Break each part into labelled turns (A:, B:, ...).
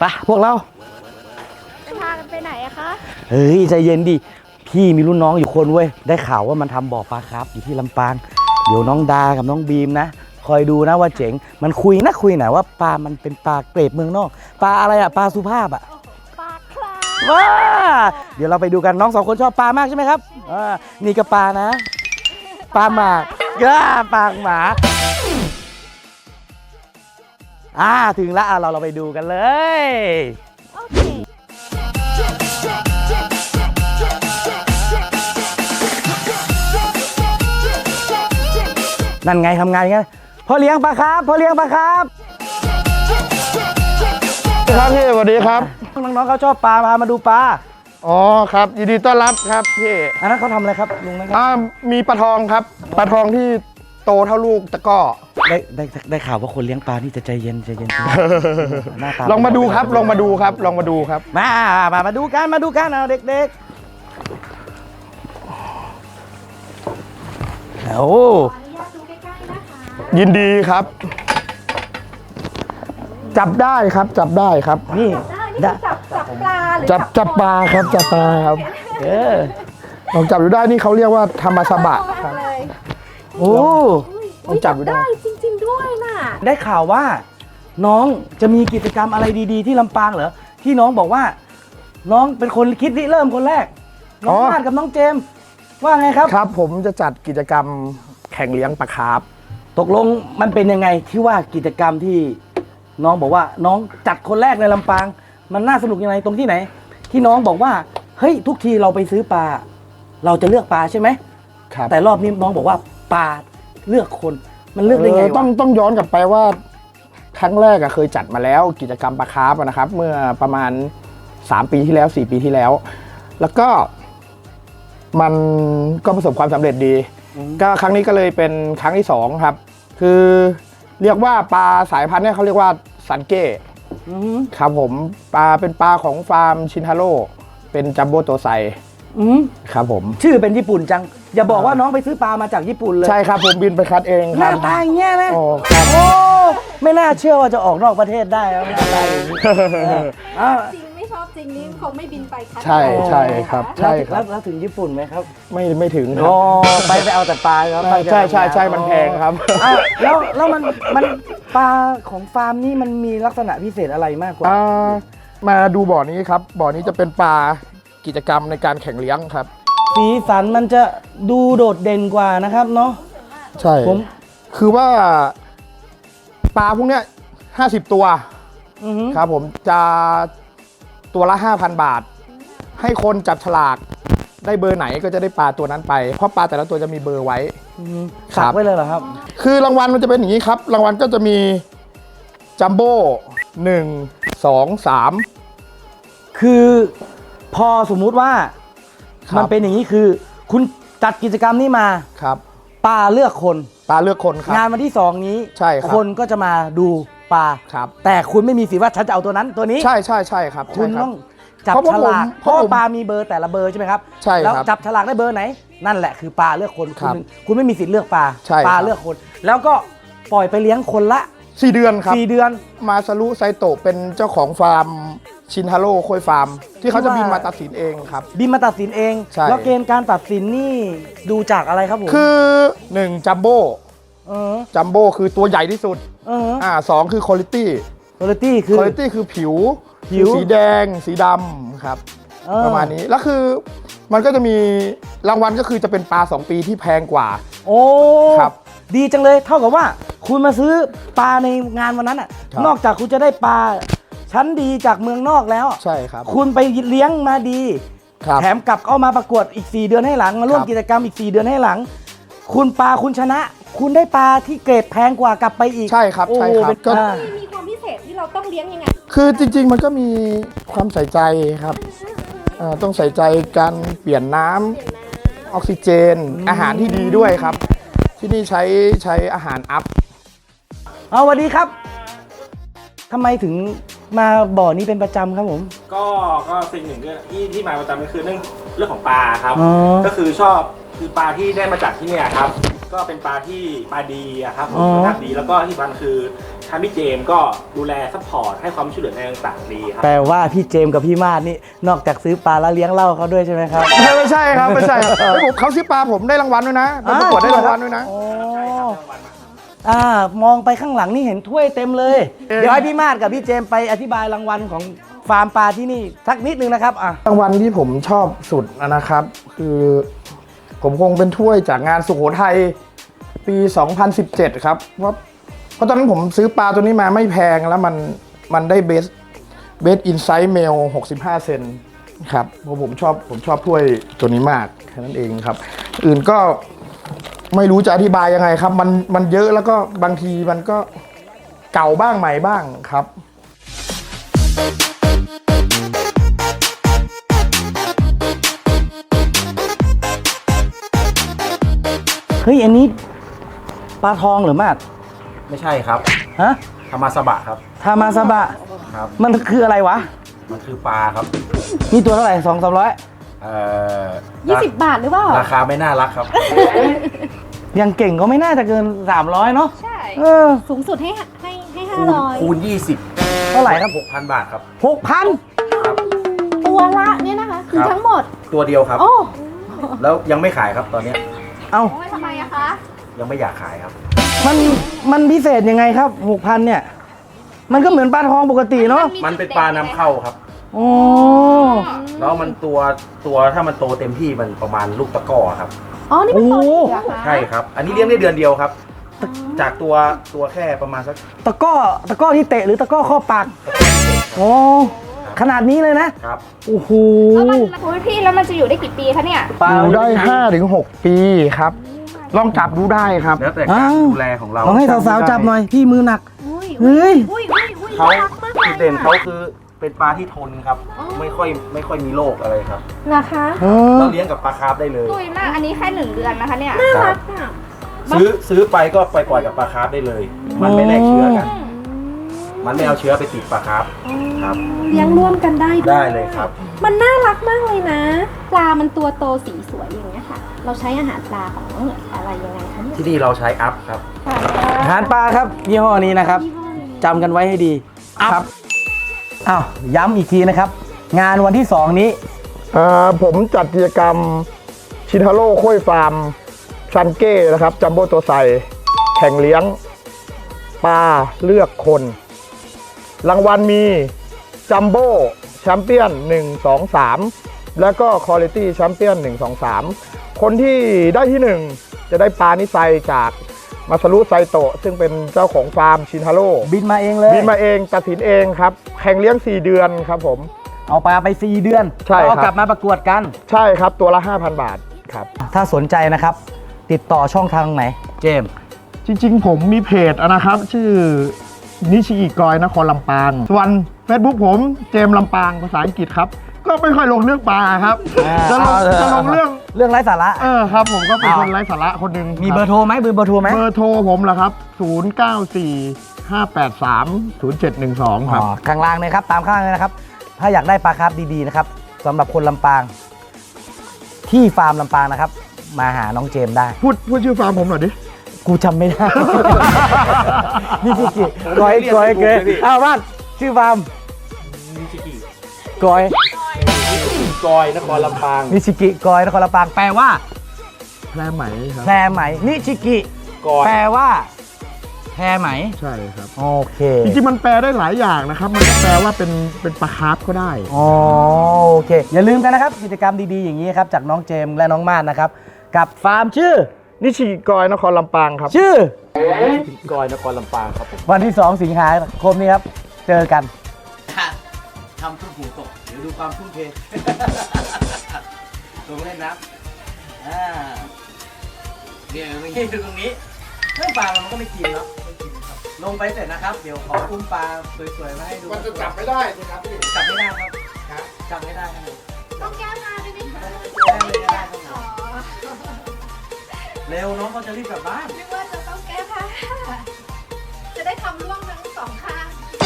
A: ไปพวกเรา
B: จะพากันไปไหนอะคะ
A: เฮ้ยใจเย็นดิพี่มีรุ่นน้องอยู่คนเว้ยได้ข่าวว่ามันทำบ่อปลาครับอยู่ที่ลำปางเดี๋ยวน้องดากับน้องบีมนะคอยดูนะว่าเจ๋งมันคุยหน่อยว่าปลามันเป็นปลาเกรดเมืองนอกปลาอะไรอะปลาสุภาพอะ
B: ปลาคลา
A: ว้าเดี๋ยวเราไปดูกันน้อง2 คนชอบปลามากใช่ไหมครับนี่ก็ปลานะปลาหมากปลาหมาถึงแล้วเราไปดูกันเลย
B: โอเค
A: นั่นไงทำงานกันพ่อเลี้ยงปลาครับพ่อเลี้ยงปลาครับ
C: ครับพี่สวัสดีครับ
A: น้องๆเขาชอบปลามาดูปลา
C: อ๋อครับยินดีต้อนรับครับพี่
A: อันนั้นเขาทำอะไรครับลุงนะครับ
C: มีปลาทองครับปลาทองที่โตเท่าลูกตะก้อ
A: ได้ข่าวว่าคนเลี้ยงปลานี่จะใจเย็นหน้าตา
C: ลองมาดูครับลองมาดูครับมาดู
A: กันเอาเด็กๆโอ้
C: ยินดีครับจับได้ครับ
A: นี่
B: จับปลาหรือ
C: จับปลาครับลองจับดูได้นี่เขาเรียกว่าธรรมสบะครับ
A: โอ้
C: ลองจับดูได้
B: จริงๆด้วยน่ะ
A: ได้ข่าวว่าน้องจะมีกิจกรรมอะไรดีๆที่ลำปางเหรอที่น้องบอกว่าน้องเป็นคนคิดริเริ่มคนแรกน้องพาดกับน้องเจมว่าไงครับ
C: ครับผมจะจัดกิจกรรมแข่งเลี้ยงปลาคาร์ฟ
A: ตกลงมันเป็นยังไงที่ว่ากิจกรรมที่น้องบอกว่าน้องจัดคนแรกในลำปางมันน่าสนุกยังไงตรงที่ไหนที่น้องบอกว่าเฮ้ยทุกทีเราไปซื้อปลาเราจะเลือกปลาใช่ไหม
C: ครับ
A: แต่รอบนี้น้องบอกว่าปลาเลือกคนมันเลือกได้ไงวะ
C: ต้องย้อนกลับไปว่าครั้งแรกเคยจัดมาแล้วกิจกรรมปลาคาร์ฟนะครับเมื่อประมาณ3 ปีที่แล้ว4 ปีที่แล้วแล้วก็มันก็ประสบความสำเร็จดีก็ครั้งนี้ก็เลยเป็นครั้งที่2ครับคือเรียกว่าปลาสายพันธุ์เนี่ยเขาเรียกว่าซันเก้ครับผมเป็นปลาของฟาร์มชินทาโร่เป็นจัมโบ้โตไซครับผม
A: ชื่อเป็นญี่ปุ่นจังอย่าบอกว่าน้องไปซื้อปลามาจากญี่ปุ่นเลย
C: ใช่ครับผมบินไปคัดเอง
A: ครับหน้าตาอย่างเงี้ยนะโอ้ไม่น่าเชื่อว่าจะออกนอกประเทศได้แล้วอะไร
B: จริงไม่ชอบจริงนี่เขาไม่บินไปคัด
C: ใช่ครับใช่ครับ
A: แล้วถึงญี่ปุ่นไหมครับ
C: ไม่ถึงครับ
A: ไปเอาแต่ปลาครับ
C: ใช่มันแพงครับ
A: แล้วมันปลาของฟาร์มนี่มันมีลักษณะพิเศษอะไรมากกว่า
C: มาดูบ่อนี้ครับบ่อนี้จะเป็นปลากิจกรรมในการแข่งเลี้ยงครับ
A: สีสันมันจะดูโดดเด่นกว่านะครับเนาะ
C: ใช่ผมคือว่าปลาพวกเนี้ย50 ตัวครับผมจะตัวละ 5,000 บาทให้คนจับฉลากได้เบอร์ไหนก็จะได้ปลาตัวนั้นไปเพราะปลาแต่ละตัวจะมีเบอร์ไว้
A: สักไว้เลยเหรอครับ
C: คือรางวัลมันจะเป็นอย่างนี้ครับรางวัลก็จะมีจัมโบ้1 2 3
A: คือพอสมมุติว่ามันเป็นอย่างนี้คือคุณจัดกิจกรรมนี้มา
C: ครับ
A: ปลาเลือกคน
C: ครับ
A: งานวันที่2นี้
C: ใช่ครับ
A: คนก็จะมาดูปลา
C: ครับ
A: แต่คุณไม่มีสิทธิ์ว่าฉันจะเอาตัวนั้นตัวนี้
C: ใช่ครับ
A: คุณต้องจับฉลากเพราะปลามีเบอร์แต่ละเบอร์ใช่ไหมครับ
C: ใช่
A: แล้วจับฉลากได้เบอร์ไหนนั่นแหละคือปลาเลือกคนคุณไม่มีสิทธิ์เลือกปลาเลือกคนแล้วก็ปล่อยไปเลี้ยงคนละ
C: 4 เดือนครับ
A: 4 เดือน
C: มาซารุไซโตะเป็นเจ้าของฟาร์มชินทาโร่โคยฟาร์มที่เขาจะบินมาตัดสินเองครับ
A: บินมาตัดสินเองแล้วเกณฑ์การตัดสินนี่ดูจากอะไรครับผม
C: คือ1จัมโบ้คือตัวใหญ่ที่สุด2คือคุณภาพคือผิวสีแดงสีดำครับประมาณนี้แล้วคือมันก็จะมีรางวัลก็คือจะเป็นปลา2 ปีที่แพงกว่า
A: โอ้ครับดีจังเลยเท่ากับว่าคุณมาซื้อปลาในงานวันนั้นอ่ะนอกจากคุณจะได้ปลาชั้นดีจากเมืองนอกแล้ว
C: ใช่ครับ
A: คุณไปเลี้ยงมาดีแถมกลับเอามาประกวดอีก4 เดือนให้หลังมาร่วมกิจกรรมอีก4 เดือนให้หลังคุณชนะคุณได้ปลาที่เกรดแพงกว่ากลับไปอีก
C: ใช่ครับ
B: ก็มีความพิเศษที่เราต้องเลี้ยงยังไง
C: คือจริงๆมันก็มีความใส่ใจครับต้องใส่ใจการเปลี่ยนน้ำออกซิเจนอาหารที่ดีด้วยครับที่นี่ใช้อาหารอัพ
A: สวัสดีครับทำไมถึงมาบ่อนี้เป็นประจำครับผม
D: ก็สิ่งหนึ่งที่มาประจำก็คือเรื่องของปลาครับก็คือชอบคือปลาที่ได้มาจากที่นี่ครับก็เป็นปลาที่ปลาดีอะครับ
A: อ๋อ
D: คุณภาพดีแล้วก็ที่สำคัญคือทางพี่เจมส์ก็ดูแลซัพพอร์ตให้ความช่วยเหลือในต่างๆดีครับ
A: แปลว่าพี่เจมส์กับพี่มาดนี่นอกจากซื้อปลาแล้วเลี้ยงเหล้าเขาด้วยใช่ไหมครับ
C: ไม่ใช่ครับไม่ใช่ครับเฮ้ยผมเขาซื้อปลาผมได้รางวัลด้วยนะไปประกวดได้รางวัลด้วยนะ
A: โอ้มองไปข้างหลังนี่เห็นถ้วยเต็มเลย เดี๋ยวให้พี่มาดกับพี่เจมส์ไปอธิบายรางวัลของฟาร์มปลาที่นี่สักนิดนึงนะครับอ่ะ
C: รางวัลที่ผมชอบสุดนะครับ คือผมคงเป็นถ้วยจากงานสุโขทัยปี 2017 ครับเพราะตอนนั้นผมซื้อปลาตัวนี้มาไม่แพงแล้วมันได้เบสอินไซด์เมล65 เซนครับเพราะผมชอบถ้วยตัวนี้มากแค่นั้นเองครับ อื่นก็ไม่รู้จะอธิบายยังไงครับ มันเยอะแล้วก็บางทีมันก็เก่าบ้างใหม่บ้างครับ
A: เฮ้ยอันนี้ปลาทองหรือมาด
D: ไม่ใช่ครับ
A: ฮะ
D: ธรรมาสบะครับ
A: ทามาซาบะ
D: ครับ
A: มันคืออะไรวะ
D: มันคือปลาครับ
A: นี่ตัวเท่าไหร่200-300
B: 20 บาทหรือเปล่า
D: ราคาไม่น่ารักครับ
A: ยังเก่งก็ไม่น่าจะเกิน300เนาะ
B: ใช่
A: เออ
B: สูงสุดให้500
D: คูณ 20
A: เท่าไหร่ครับ
D: 6,000 บาทครับ
A: 6,000
B: ตัวละเนี่ยนะคะ คือ
D: ครับ
B: ทั้งหมด
D: ตัวเดียวครับ
B: โอ้
D: แล้วยังไม่ขายครับตอนเนี้ย
A: เอ้า
B: ทำไมอะคะ
D: ยังไม่อยากขายครับ
A: มันพิเศษยังไงครับ 6,000 เนี่ย มันก็เหมือนปลาทองปกติเนาะ
D: มันเป็นปลานำเข้าครับ
A: โอ้
D: แล้วมันตัวถ้ามันโตเต็มที่มันประมาณลูกตะกร้อครับ
B: อ๋อ นี่เป็นตัวเดียวเหรอคะ
D: ใช่ครับ อันนี้เลี้ยงได้เดือนเดียวครับ จากตัวแค่ประมาณสัก
A: ตะกร้อที่เตะหรือตะกร้อข้อปากโอ้ขนาดนี้เลยนะ
D: ครับ
A: โอ้โห
B: แล้วมันโอ้ยพี่แล้วมันจะอยู่ได้กี่ปีคะเนี่ย
C: อยู่ได้ 5-6 ปีครับ ลองจับดูได้ครับ
D: แล้วแต่การดูแลของเรา
A: ลองให้สาวๆจับหน่อย พี่มือหนัก
B: อุ้ย
A: เฮ้ย
B: อุ้ย
D: เขา
B: น่ารักมากเลย
D: จุดเด่นเขาคือเป็นปลาที่ทนครับ ไม่ค่อยมีโรคอะไรครับ
B: นะคะ
A: เออ
D: เราเลี้ยงกับปลาคาร์ฟได้เลย
B: อุ้ยมาก อันนี้แค่1 เดือนนะคะเนี่ย
D: ครับซื้อไปก็ปล่อยกับปลาคาร์ฟได้เลย มันไม่แลกเชื้อกัน มันไม่เอาเชื้อไปติดปลาคาร์ฟครับ
B: เลี้ยงร่วมกันได้ด้วย
D: ได้เลยครับ
B: มันน่ารักมากเลยนะ ปลามันตัวโตสีสวยอย่างเงี้ยค่ะ เราใช้อาหารปลาของอะไรยังไงคะเนี่ย
D: ที่นี่เราใช้อัพครับ
A: อาหารปลาครับยี่ห้อนี้นะครับจำกันไว้ให้ดีครับอ้าวย้ำอีกทีนะครับ งานวันที่ 2 นี้
C: ผมจัดกิจกรรมชิทาโร่โค้ยฟาร์มซันเก้นะครับจัมโบ้ตัวใสแข่งเลี้ยงปลาเลือกคน รางวัลมีจัมโบ้แชมเปี้ยน1 2 3 แล้วก็คอลิตี้แชมเปี้ยน1 2 3 คนที่ได้ที่ 1 จะได้ปลานิไซจากมาซารุไซโตะซึ่งเป็นเจ้าของฟาร์มชิทาโร่
A: บินมาเองเลย
C: บินมาเองตัดสินเองครับ แข่งเลี้ยง 4 เดือนครับผม
A: เอาปลาไป 4 เดือน
C: ใช่ครับ
A: เอากลับมาประกวดกัน
C: ใช่ครับตัวละ 5,000 บาทครับ ถ้า
A: ถ้าสนใจนะครับ ติดต่อช่องทางไหน เจมส์
C: จริงๆ ผมมีเพจนะครับ ชื่อนิชิอิกอยนครลำปาง ส่วน Facebook ผมเจมส์ลำปางภาษาอังกฤษครับ ก็ไม่ค่อยลงเรื่องปลาครับ จะลงเรื่อง
A: ไร้สาระ
C: ครับผมก็เป็น
A: เอา
C: คนไร้สาระคนหนึ่ง
A: มีเบอร์โทรไหมเบอร์โทรไหม
C: เบอร์โทรผมเหรอครับ 0945830712 ครับ
A: ข้างล่างเลยครับ ตามข้างเลยนะครับ ถ้าอยากได้ปลาคาร์ฟดีๆนะครับสำหรับคนลำปาง ที่ฟาร์มลำปางนะครับ มาหาน้องเจมส์ได้
C: พูดชื่อฟาร์มผมหน่อยดิ
A: กูจำไม่ได้ นี่ชิกิกอยกอยเกยอ้าวบ้านชื่อฟาร์ม
D: นิชิกิ
A: กอย
D: กอยนครลำปาง
A: นิชิกิกอยนครลำปางแปลว่า
C: แพรไหมครับ
A: แพรไหมนิชิกิ
D: กอย
A: แปลว่าแพรไหม
C: ใช่ครับ
A: โอเค
C: จริงๆ มันแปลได้หลายอย่างนะครับ มันก็แปลว่าเป็นปลาคาร์ฟก็ได้
A: อ๋อโอเค อย่าลืมกันนะครับ กิจกรรมดีๆอย่างนี้ครับ จากน้องเจมส์และน้องมาดนะครับ กับฟาร์มชื่อ
C: นิชิอิกอยนครลำปางครับ
A: ชื่อ
D: กอยนครลำปางครับผม
A: วันที่ 2 สิงหาคมนี้ครับ เจอกันทำทุ่มหูตก เดี๋ยวดูความทุ่มเท ลงเล่นน้ำเดี๋ยวอย่างนี้ดูตรงนี้เรื่องปลามันก็ไม่กินเนาะลงไปเสร็จนะครับ เดี๋ยวขออุ้มปลาสวยๆมาให้ดู
C: มันจะจับไม่ได้สิครับพี่
A: จับไม่ได้ครับจับไม่ได้ครับ
B: ต้องแก้มาด้วยไหมคะ
A: เร็วน้องเขาจะรีบกลับบ้าน
B: นึกว่าจะต้องแก้ผ้าจะได้ทำร่วงทั้ง2 ข้าง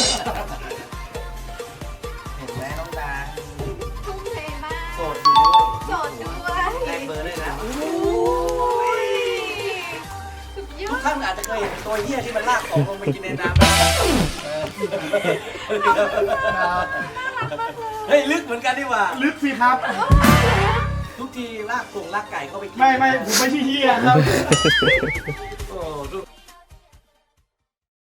A: เห็นไหมน้องดา
B: ทุ่มเทมาก
A: โสดอยู่ด้วย
B: โสดด้วย
A: แลกเบอร์ด้วยนะ
B: โอ้ย
A: ท่านอาจจะเคยเห็นตัวเหี้ยที่มันลากของลงไปกินในน้ำเฮ้ยลึกเหมือนกันดีกว่า
C: ลึกสิครับ
A: ทุกทีลากไก่เข้าไปกิน
C: ไม่ผมไม่ใช่เฮียครับ